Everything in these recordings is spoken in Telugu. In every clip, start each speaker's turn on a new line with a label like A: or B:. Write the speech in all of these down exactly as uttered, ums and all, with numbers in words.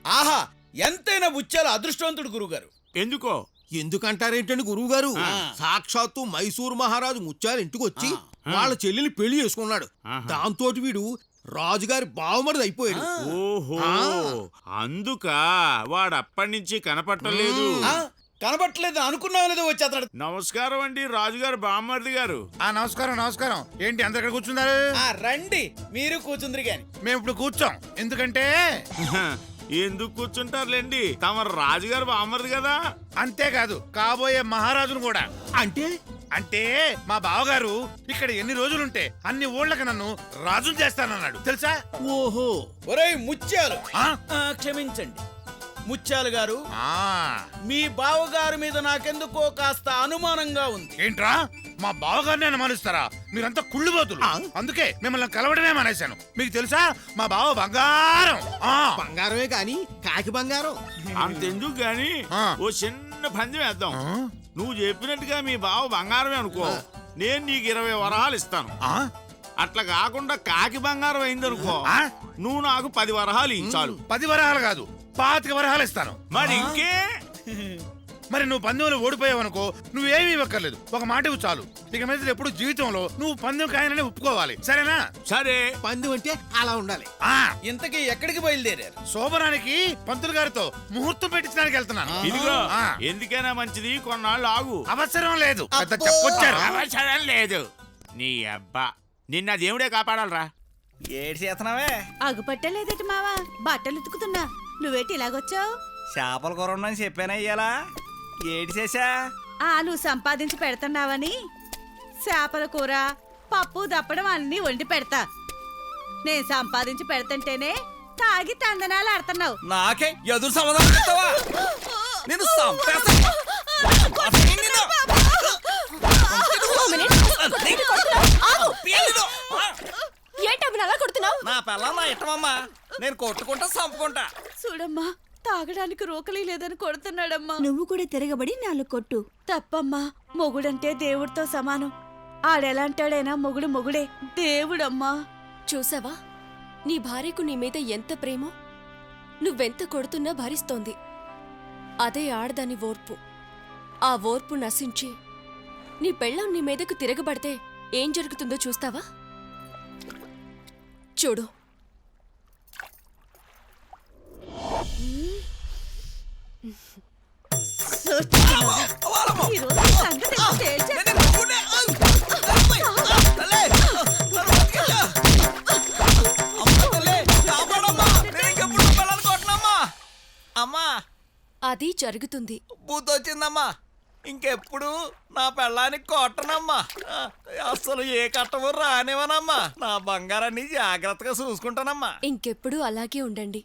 A: ఆహా ఎంతైనా ముత్యాలు అదృష్టవంతుడు గురుగారు.
B: ఎందుకో?
C: ఎందుకంటారేంటండి గురువు గారు? సాక్షాత్తు మైసూరు మహారాజు ముత్యాల ఇంటికి వచ్చి వాళ్ళ చెల్లిని పెళ్లి చేసుకున్నాడు. దాంతో వీడు రాజుగారి బావమరిది అయిపోయాడు.
B: ఓహో, అందుక వాడు అప్పటి నుంచి కనపట్టలేదు.
A: కనబట్టలేదు అనుకున్నావు లేదో వచ్చి అతడు.
B: నమస్కారం అండి రాజుగారు, బామ్మర్ది గారు.
D: ఆ నమస్కారం నమస్కారం. ఏంటి అందరు ఇక్కడ కూర్చున్నారు?
A: రండి మీరు కూర్చుందరు గాని.
D: మేము ఇప్పుడు కూర్చోం, ఎందుకంటే
B: ఎందుకు కూర్చుంటారులేండి, తమ రాజుగారు బామ్మర్ది కదా.
D: అంతేకాదు కాబోయే మహారాజును కూడా.
C: అంటే
D: అంటే మా బావగారు ఇక్కడ ఎన్ని రోజులుంటే అన్ని ఊళ్ళకి నన్ను రాజును చేస్తానన్నాడు తెలుసా?
C: ఓహో.
A: ఒరేయ్ ముత్యాలు,
D: ఆ?
A: ఆ, క్షమించండి ముత్యాలు గారు,
D: ఆ.
A: మీ బావగారి మీద నాకెందుకో కాస్త అనుమానంగా ఉంది.
D: ఏంట్రా మా బావగారిని అనుమానిస్తారా? మీరంతా కుళ్ళుబోతులు. అందుకే మిమ్మల్ని కలవడమే మానేశాను. మీకు తెలుసా మా బావ బంగారం. ఆ
C: బంగారమే కాని కాకి బంగారం.
B: అంతెందుకు గాని
D: ఆ.
B: ఓ చిన్న పందెం వేద్దాం.
D: ఆ?
B: నువ్వు చెప్పినట్టుగా మీ బావ బంగారమే అనుకో, నేను నీకు ఇరవై వరహాలు ఇస్తాను.
D: ఆ?
B: అట్లా కాకుండా కాకి బంగారం అయిందనుకో,
D: ఆ?
B: నువ్వు నాకు పది వరహాలు ఇచ్చాలు.
D: పది వరహాలు కాదు పాతిక వరహాలు ఇస్తాను.
B: మరి ఇంకే?
D: మరి నువ్వు పందెంలో ఓడిపోయావనుకో నువ్వేమీ ఇవ్వక్కర్లేదు, ఒక మాట ఇవ్వు చాలు. ఇక మీద ఎప్పుడు జీవితంలో నువ్వు పందెం కాయనని ఒప్పుకోవాలి, సరేనా?
B: సరే.
C: పందెం అంటే అలా ఉండాలి.
D: ఆ
A: ఇంతకీ ఎక్కడికి బయలుదేరారు?
D: శోభనానికి పంతులు గారితో ముహూర్తం పెట్టించడానికి వెళ్తున్నాను.
B: ఇదిగో
D: ఆ.
B: ఎందుకైనా మంచిది, కొన్నాళ్ళు ఆగు.
D: అవసరం లేదు, పెద్ద చెప్పొచ్చారు.
B: అవసరం లేదు. నీ అబ్బా, నిన్న దేవుడే కాపాడాలరా.
A: ఏడు చేతనావే?
E: అగుపట్టలేదట మావా, బట్టలు ఉతుకుతున్నా. నువ్వేటి ఇలాగొచ్చావు?
A: చేపల కూర ఉండని చెప్పానా ఇయ్యాలా? ఏడు చేసా?
E: ఆ నువ్వు సంపాదించి పెడుతున్నావని చేపల కూర పప్పు దప్పడం అన్ని వండి పెడతా. నేను సంపాదించి పెడతంటేనే తాగి తందనాలు ఆడుతున్నావు.
A: నాకే ఎదురు సమాధానం చెప్తావా? నేను సంపేస్తా.
E: ఏంటమ్మా అలా కొడుతున్నావు?
A: నా పిల్ల నా ఇష్టమమ్మా, నేను కొట్టుకుంటా చంపుకుంటా.
E: చూడమ్మా, తాగడానికి రోకలి లేదని కొడుతున్నాడమ్మా.
F: నువ్వు కూడా తిరగబడి నాలుగు కొట్టు.
E: తప్పమ్మా, మొగుడంటే దేవుడితో సమానం. ఆడెలాంటాడైనా మొగుడు మొగుడే, దేవుడమ్మా.
F: చూసావా, నీ భార్యకు నీ మీద ఎంత ప్రేమో. నువ్వెంత కొడుతున్నా భరిస్తోంది. అదే ఆడదాని ఓర్పు. ఆ ఓర్పు నశించి నీ పెళ్ళాం నీ మీదకు తిరగబడితే ఏం జరుగుతుందో చూస్తావా? చూడు.
E: ఈరోజు ఈ సంగతి తేల్చేస్తా.
A: అమ్మా
F: అది జరుగుతుంది.
A: బూతొచ్చిందమ్మా, ఇంకెప్పుడు నా పెళ్ళానికి కొట్టనమ్మా. అసలు ఏ కట్టము రానివనమ్మా. నా బంగారాన్ని జాగ్రత్తగా చూసుకుంటానమ్మా.
F: ఇంకెప్పుడు అలాగే ఉండండి.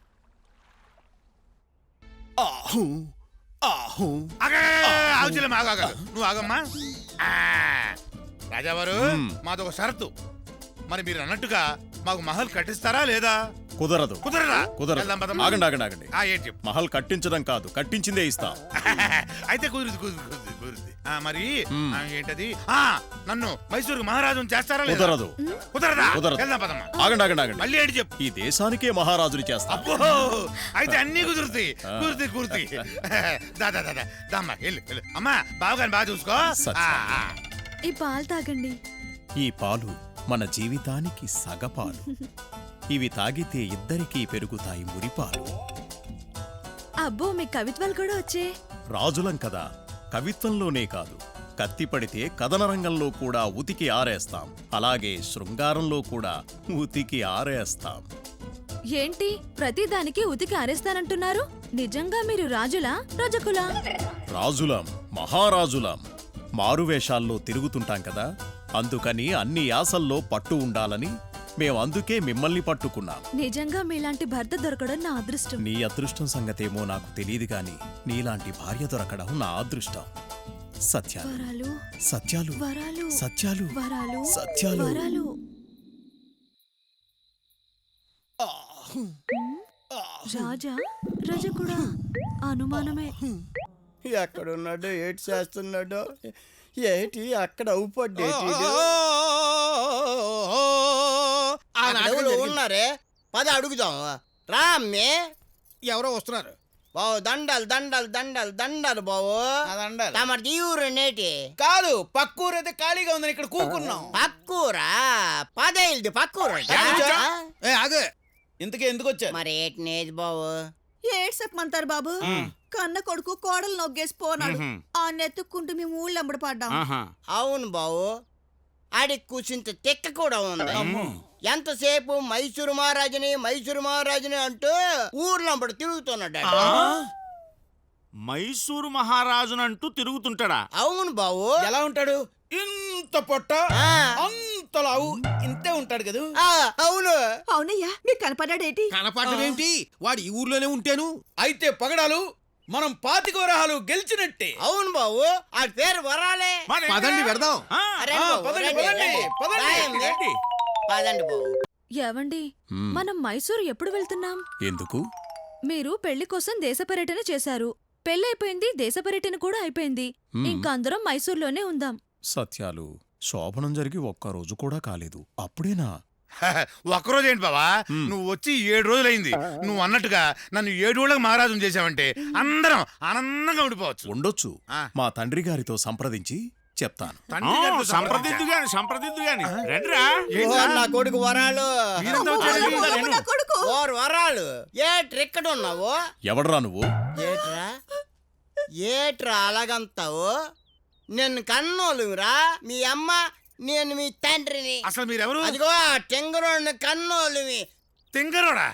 C: ఆహు ఆహు.
D: ఆగుచలే ఆగాగలదు, నువ్వు ఆగమ్మా. ఆ, రాజావారు మాదొక షరతు. మరి మీరు అన్నట్టుగా మాకు మహల్ కట్టిస్తారా లేదా?
G: కుదరదు.
D: కుదరదా?
G: కుదరదు.
D: వెళ్దాం పదమ్మా.
G: ఆగండి ఆగండి ఆగండి.
D: ఆ, ఏంటి చెప్పు.
G: మహల్ కట్టించడం కాదు, కట్టించిందే ఇస్తాం.
D: అయితే కుదిరింది కుదిరింది కుదిరింది కుదిరింది. ఆ, మరి ఆ, ఏంటది? ఆ, నన్ను మైసూరు మహారాజును చేస్తారా లేదా?
G: కుదరదు.
D: కుదరదా?
G: కుదరదు.
D: వెళ్దాం పదమ్మా.
G: ఆగండి ఆగండి ఆగండి.
D: మళ్ళీ ఏంటి చెప్పు.
G: ఈ దేశానికే మహారాజుని చేస్తాం.
D: అబ్బో, అయితే అన్ని కుదురుతాయి. కుదురుతాయి కుదురుతాయి. దా దా దా దా. దామ్మా వెళ్ళు వెళ్ళు. అమ్మా బావగారిని బాగా చూసుకో.
G: సత్యం.
D: ఆ, ఆ.
F: ఈ పాలు తాగండి.
G: ఈ పాలు మన జీవితానికి సగపాలు. ఇవి తాగితే ఇద్దరికీ పెరుగుతాయి మురిపాలు.
F: అబ్బో, మీ కవిత్వాలు కూడా వచ్చే.
G: రాజులం కదా, కవిత్వంలోనే కాదు, కత్తి పడితే కథన రంగంలో కూడా ఉతికి ఆరేస్తాం. అలాగే శృంగారంలో కూడా ఉతికి ఆరేస్తాం.
F: ఏంటి ప్రతిదానికి ఉతికి ఆరేస్తానంటున్నారు? నిజంగా మీరు రాజులా రజకులా?
G: రాజులం, మహారాజులం. మారువేషాల్లో తిరుగుతుంటాం కదా, అందుకని అన్ని యాసల్లో పట్టు ఉండాలని మేం అందుకే మిమ్మల్ని పట్టుకున్నాం.
F: నిజంగా మీలాంటి భర్త దొరకడం నా అదృష్టం.
G: నీ అదృష్టం సంగతేమో నాకు తెలియదు గాని నీలాంటి భార్య దొరకడం నా అదృష్టం. సత్యాలు
F: వరాలు
G: సత్యాలు
F: వరాలు
G: సత్యాలు
F: వరాలు
G: సత్యాలు
F: వరాలు. రాజా రజకుడా? అనుమానమే.
H: ఎక్కడున్నాడో ఏటి చేస్తున్నాడో ఏటి అక్కడ అవుపడ్డేటి ఉన్నారే. పద అడుగుదాం రా అమ్మే.
C: ఎవరో వస్తున్నారు.
H: బావు దండలు దండలు దండలు దండలు బావు.
A: అదండాలి.
H: తమరి జీవురు నేటి
A: కాదు పక్కూరు అయితే ఖాళీగా ఉందని ఇక్కడ కూకున్నాం.
H: పక్కూరా పదేళ్ళది పక్కూరు
C: ఏ ఆగే.
A: ఇంతకీ ఎందుకు వచ్చారు?
H: మరి ఏటి నేతి బావు.
E: ఏడ్ చెప్పమంటారు బాబు. కన్న కొడుకు కోడలు నొగ్గేసి పోనాడు. ఆ నెత్తుక్కుంటూ మేము ఊళ్ళో అమ్మడి పడ్డాం.
H: అవును బావు, ఆడికి కూర్చుంత తెక్క కూడా ఉంది. ఎంతసేపు మైసూరు మహారాజుని మైసూరు మహారాజుని అంటూ ఊర్లంబడి తిరుగుతున్నాడు.
B: మైసూరు మహారాజునంటూ తిరుగుతుంటాడా?
H: అవును బావు.
A: ఎలా ఉంటాడు? ఇంత పొట్ట
H: ఆ.
A: అంత లావు ఇంతే ఉంటాడు కదా.
H: ఆ, అవును.
E: అవునయ్యా మీకు కనపడ్డాడేటి?
C: కనపడమేంటి? వాడు ఈ ఊర్లోనే ఉంటాను.
A: అయితే పగడాలు మనం పాతిక వరహాలు గెలిచినట్టే.
H: అవును బావు, ఆడి పేరు వరాలే.
B: మరి
C: పదండి వెడదాం.
B: ఆ,
H: అరే
A: ఆ,
H: బావు,
A: పదండి,
H: రండి,
A: పదండి,
H: రండి.
A: పదండి.
H: రాయండి.
B: రండి.
H: పదండి బావు.
F: ఏవండి మనం మైసూరు ఎప్పుడు వెళ్తున్నాం?
G: ఎందుకు?
F: మీరు పెళ్లి కోసం దేశ పర్యటన చేశారు. పెళ్ళైపోయింది, దేశ పర్యటన కూడా అయిపోయింది. ఇంకా అందరం మైసూర్లోనే ఉందాం.
G: సత్యాలు, శోభనం జరిగి ఒక్కరోజు కూడా కాలేదు, అప్పుడేనా?
D: ఒక్కరోజు ఏంటి బావా, నువ్వు వచ్చి ఏడు రోజులైంది. నువ్వు అన్నట్టుగా నన్ను ఏడు రోజులకు మహారాజును చేసావంటే అందరం ఆనందంగా ఉండిపోవచ్చు.
G: ఉండొచ్చు.
D: ఆ.
G: మా తండ్రి గారితో సంప్రదించి చెప్తాను.
D: తండ్రి
B: ఆ,
D: గారితో
B: సంప్రదిద్దు గాని సంప్రదిద్దు గాని రండిరా.
H: ఓ, నా కొడుకు వరాలు.
D: మీరంతా వచ్చారండి.
E: నా కొడుకు
H: ఓరు వరాలు, ఏట్రా ఇక్కడ ఉన్నావు?
G: ఎవడ్రా నువ్వు?
H: ఏట్రా ఏట్రా అలాగంతావు? నిన్ను కన్నోలురా మీ అమ్మ, నేను మీ తండ్రిని.
D: అసలు మీరెవరు?
H: అదిగో టెంగరోడ్ని కన్నోలువి.
D: తింగరోడా?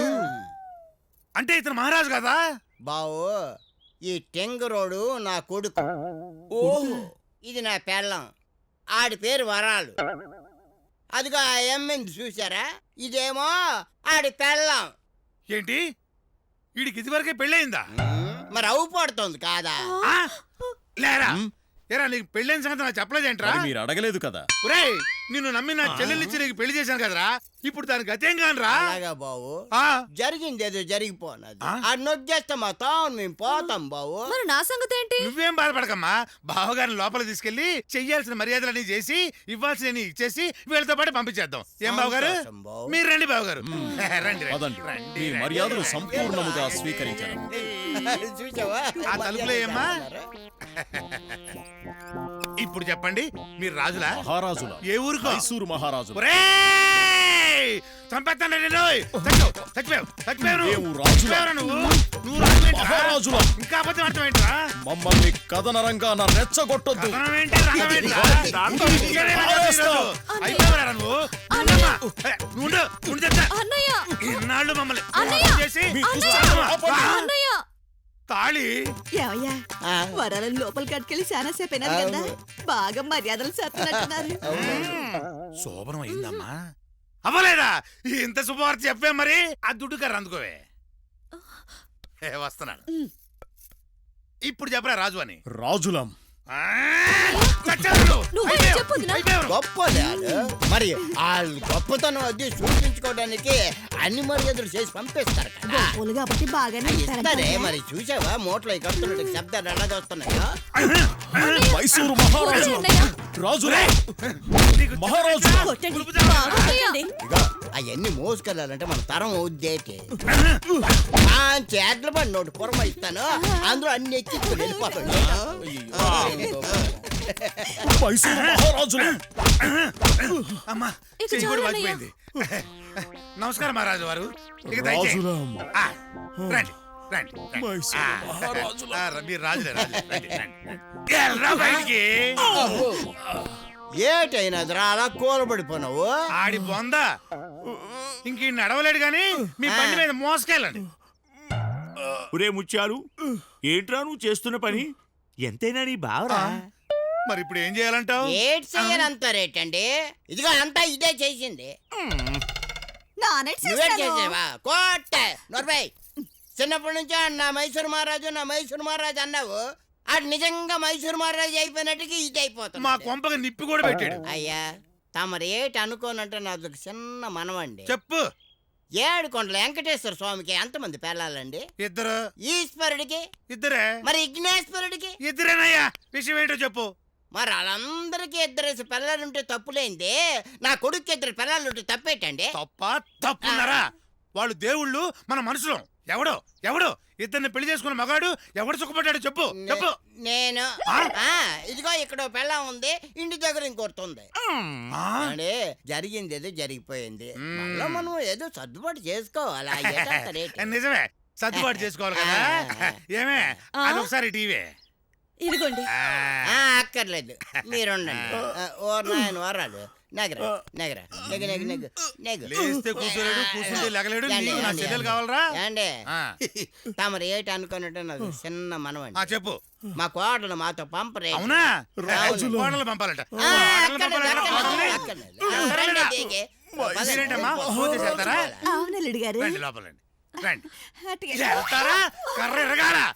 D: అంటే ఇతను మహారాజు కదా?
H: బావు, ఈ టెంగరోడు నా కొడుకు.
A: ఓహో,
H: ఇది నా పెళ్ళం, ఆడి పేరు వరాలు. అదిగో ఆ ఎమ్మెంది చూసారా, ఇదేమో ఆడి పెళ్ళం.
D: ఏంటి వీడికి ఇదివరకే పెళ్ళయిందా?
H: మరి అవు పడుతుంది కాదా?
D: ఆ? లేరా ఏరా, నీకు పెళ్ళైన సంగతి నాకు చెప్పలేదేంట్రా?
G: మరి మీరు అడగలేదు కదా.
D: ఒరేయ్, నిన్ను నమ్మి నా చెల్లెలిచ్చి నీకు పెళ్లి చేశాను కదరా, ఇప్పుడు దానికి గతేం కానరా?
H: అలాగా బావు,
D: ఆ,
H: జరిగింది ఏదో జరిగిపోనది.
D: ఆ?
H: ఆ నొగ్గేస్తే మా తాను మేము పోతాం బావు.
F: మరి నా సంగతి ఏంటి?
D: నువ్వేం బాధపడకమ్మా. బావగారిని లోపల తీసుకెళ్లి చెయ్యాల్సిన మర్యాదలన్నీ చేసి ఇవ్వాల్సిన ఇచ్చేసి వీళ్ళతో పాటు పంపించేద్దాం. ఏం బావగారు?
H: సంతోషం బావు.
D: మీరు రండి బావగారు. రండి
G: పదండి.
D: రండి,
G: మీ
D: రండి.
G: మర్యాదలు సంపూర్ణముగా స్వీకరించాను.
H: చూసావా?
D: ఆ తలుపులో ఏమ్మా? ఇప్పుడు చెప్పండి, మీరు రాజులా?
G: మహారాజుల.
D: ఏ ఊరుకో?
G: మైసూరు మహారాజు.
D: ఒరేయ్! చంపేస్తాను నేను. చచ్చావు, చచ్చిపోయావు, చచ్చిపోయావు నువ్వు.
G: మేము రాజులం.
D: చచ్చిపోయావురా నువ్వు. నువ్వు రాజువేంట్రా?
G: మహారాజులం.
D: ఇంకా అబద్ధం అర్థమేంట్రా?
G: మమ్మల్ని కథనరంగా నా రెచ్చగొట్టొద్దు.
D: కథనం ఏంటి, రథం ఏంట్రా?
B: దాంతో
D: ఇంకేనే రథం ఈరోజు? అయిపోయావురా నువ్వు. ఉండమ్మా. ఏ, నువ్వు ఉండు, ఉండు చెప్తా.
F: అన్నయ్య
D: ఇన్నాళ్ళు మమ్మల్ని
F: అన్నయ్య!
D: మోసం చేసి
G: మీ
D: కూర్చోమ్మా.
G: ఆపండి.
D: ఆ,
F: అన్నయ్య
D: తాళి
E: ఏమయ్యా
H: ఆ,
E: వరాలను లోపలికి కట్టుకెళ్ళి చాలా సేపు అయినారు కదా, బాగా మర్యాదలు చేస్తున్నట్టున్నారు.
D: శోభనం అయిందమ్మా? అవ్వలేదా? ఇంత శుభవార్త చెప్పే మరి. ఆ దుడ్డు కర్ర అందుకోవే. ఏ, వస్తున్నాను. ఇప్పుడు చెప్పరా రాజు అని.
G: రాజులం.
D: ఆ, చచ్చావు నువ్వు.
F: నువ్వే
D: అయిపోయావు,
F: చెప్పు వదినా.
D: అయిపోయావు.
H: గొప్పలే ఆడు. మరి వాళ్ళు గొప్పతనం అది చూపించుకోవడానికి అన్ని మర్యాదలు చేసి పంపిస్తారు కదా.
E: గొప్పలు కాబట్టి బాగానే
H: ఇస్తారే మరి. చూసావా మూటలో కడుతున్నట్టు శబ్దాలు ఎలాగ వస్తున్నాయో.
G: మైసూరు మహారాజు. రాజులే.
D: నీకు
G: మహారాజు.
E: కొట్టండి.
F: అన్నయ్య!
H: ఇగో అవన్నీ మోసుకెళ్ళాలంటే మన తరం ఉద్దేటి. చేతుల పడి నోటి పొరమ ఇస్తాను, అందులో అన్ని ఎక్కించుకుని వెళ్ళిపోతాడు.
G: మైసూరు మహారాజులే.
D: అమ్మా,
F: ఇక
D: చెయ్యి కూడా
F: చాలు
D: వాచిపోయింది. నమస్కారం మహారాజు వారు. ఇక దయచేయండి.
G: రాజులం.
D: ఆ, రండి రండి రండి.
G: మైసూరు
D: ఆ,
G: మహారాజులం.
D: ఆ, మీరు రాజులే రాజులే. రండి రండి. ఎల్రా బయటికి.
H: ఏటైనదిరా అలా కూలబడిపోయినావు?
D: ఆడి బొంద ఇంక ఈ నడవలేడు గాని మీ బండి మీద మోసుకెళ్ళండి.
B: ఒరే ముత్యాలు, ఏంట్రా నువ్వు చేస్తున్న పని? ఎంతైనా నీ బావరా.
D: మరి ఇప్పుడు ఏం చేయాలంటావు?
H: ఏటి చెయ్యనంటారేటండి? ఇదిగో అంతా ఇదే చేసింది. నువ్వే చేసావా? కోట నొరబై. చిన్నప్పటి నుంచి నా మైసూరు మహారాజు నా మైసూరు మహారాజు అన్నావు. అది నిజంగా మైసూరు మహారాజు అయిపోయినట్టుగా ఇది అయిపోతుంది.
D: మా కొంపకి నిప్పి కూడా పెట్టాడు.
H: అయ్యా తమరు ఏటి అనుకోనంటే నాది ఒక చిన్న మనవండి.
D: చెప్పు.
H: ఏడు కొండల వెంకటేశ్వర స్వామికి ఎంతమంది పిల్లలండి?
D: ఇద్దరు.
H: ఈశ్వరుడికి?
D: ఇద్దరే.
H: మరి విఘ్నేశ్వరుడికి?
D: ఇద్దరేనయ్యా. విషయం ఏంటో చెప్పు.
H: మరి వాళ్ళందరికీ ఇద్దరేసి పిల్లలుంటే తప్పులేంది, నా కొడుకు ఇద్దరు పిల్లలుంటే తప్పేటండి?
D: తప్ప తప్పున్నారా? వాళ్ళు దేవుళ్ళు, మన మనుషులం. ఎవడో ఎవడో ఇద్దరిని పెళ్లి చేసుకున్న మగాడు ఎవడు సుఖపడ్డాడు చెప్పు చెప్పు.
H: నేను
D: ఆ?
H: ఆ, ఇదిగో ఇక్కడ పెళ్ళం ఉంది, ఇంటి దగ్గర ఇంకొస్తుంది.
D: ఆ?
H: అంటే జరిగింది ఏదో జరిగిపోయింది.
D: మ్మ్.
H: మళ్ళా మనం ఏదో సర్దుబాటు చేసుకోవాలి. ఆ ఏటంత రేటు.
D: నిజమే, సర్దుబాటు చేసుకోవాలి కదా. ఏమే
E: ఆ?
D: అదొకసారి టీవీ.
E: ఇదిగోండి.
H: ఆ, అక్కర్లేదు, మీరుండండి. ఆ, ఓ నాయన వరాలు నెగర నెగర నెగ నెగ నెగ నెగ
D: లేస్తే కూర్చోలేడు, కూర్చుంటే లెగలేడు.
H: ఏండి,
D: నీకు నా
H: ఏండి,
D: చెల్లెలు
H: ఏండి.
D: కావాలరా?
H: ఏండి
D: ఆ,
H: తమరు ఏటి అనుకున్నట్టు నాకు చిన్న
D: ఆ,
H: మనవండి.
D: చెప్పు.
H: మా కోడలు మాతో పంపరే.
D: అవునా?
H: రాజులు.
D: కోడలు పంపాలంట.
H: ఆ,
D: కోడలు
H: అక్కర్లేదు,
D: పంపాలంట.
H: అక్కర్లేదు,
D: కోడల్ని?
H: అక్కర్లేదు.
D: ఎవరు
H: రండి,
D: లేరా?
H: దిగి.
D: మీరేంటమ్మా ఫోన్ చేసి వెళ్తారా?
I: అవునల్లుడు గారు
D: రండి లోపలండి రండి.
I: అటుగా.
D: వెళ్తారా? కర్ర ఎరగాల